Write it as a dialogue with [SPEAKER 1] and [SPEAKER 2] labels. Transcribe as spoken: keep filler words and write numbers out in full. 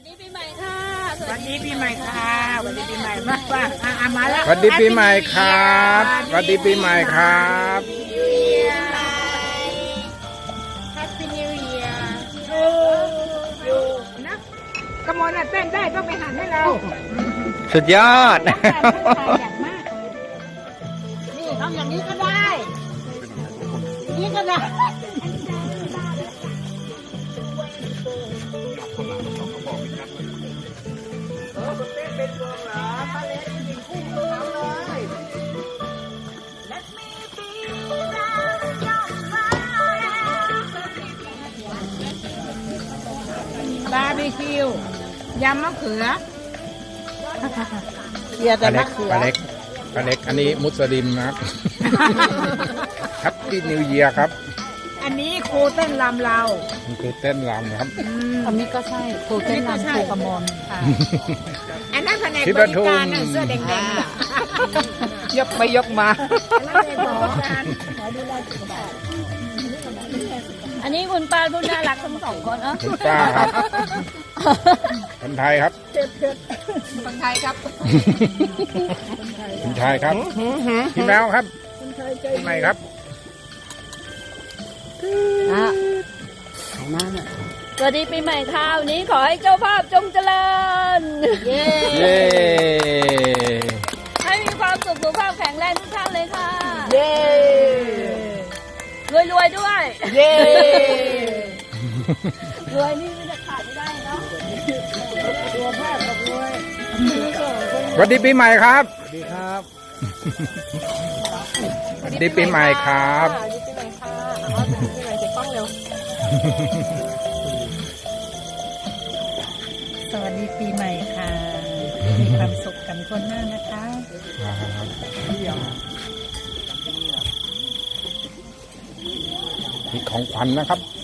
[SPEAKER 1] วันนี้ปีใหม่ค่ะ
[SPEAKER 2] วันนี้ปีใหม่ค่ะวันนี้ปีใหม่มากว่าอ่ะมาแล้ว
[SPEAKER 3] วันดีปีใหม่ครับวันดีปีใหม่ครับ
[SPEAKER 1] แฮปปี้นิวเยียร์
[SPEAKER 2] อยู่นะกระมวลน่ะเต้นได้ต้องไปหันให้เรา
[SPEAKER 3] สุดยอด
[SPEAKER 1] อย่างมากเลยนี่ทำอย่างนี้ก็ได้นี่ก็ได้
[SPEAKER 2] เป็นวงเหรอป้าเล็กยิงคู่กับเขาเลย บาร์บีคิวยำมะเขือเกียร์แต่
[SPEAKER 3] ปลาเล็
[SPEAKER 2] มะ
[SPEAKER 3] ก
[SPEAKER 2] เขือ
[SPEAKER 3] ปลาเล็กปลาเล็กอันนี้มุสลิมนะครับ แฮปปี้นิวเยียร์ครับ
[SPEAKER 2] อันนี้ครูเต้นลำเรา
[SPEAKER 3] มันคือเต้นรำครับ
[SPEAKER 1] อันนี้ก็ใช่ครูเต้นรำครูกระมอนค่ะ
[SPEAKER 2] อันนั้นแผนก
[SPEAKER 3] ที่
[SPEAKER 2] บ
[SPEAKER 3] ป
[SPEAKER 2] ริ
[SPEAKER 3] ทุม
[SPEAKER 2] การน่ะเสื้อแดงๆน่ะ
[SPEAKER 3] ยกไปยกมา
[SPEAKER 2] อันนั้นเป็นบริการ
[SPEAKER 1] อันนี้คุณป้าผู้น่ารักทั้งสองคนเออ
[SPEAKER 3] คุณป้าครับ คนไทยครับ
[SPEAKER 1] คนไทยครับ
[SPEAKER 3] คุณชายครับพี่แมวครับพี่ใหม่ครับ
[SPEAKER 1] อ่ะสวัสดีปีใหม่ค่ะวันนี้ขอให้เจ้าภาพจงเจริญ เย้
[SPEAKER 3] เย้
[SPEAKER 1] ให้มีความสุขสุขภาพแข็งแรงทุกท่านเลยค่ะ
[SPEAKER 2] เย้
[SPEAKER 1] รวยรวยๆด้วย
[SPEAKER 2] เย้
[SPEAKER 1] รวยนี่ไม่จะขาดไม่ได้เนาะ
[SPEAKER 2] ตัวภาพกับรวย
[SPEAKER 3] สวัสดีปีใหม่ครับสวัสดีครับสวัสดีปีใหม่ครับ
[SPEAKER 1] สวัสดีปีใหม่ค่ะเอาปีใหม่เก็บกล้องเร็ว
[SPEAKER 4] สวัสดีปีใหม่ค่ะ มีความสุขกันทั่วหน้านะคะ
[SPEAKER 3] มีของขวัญนะครับ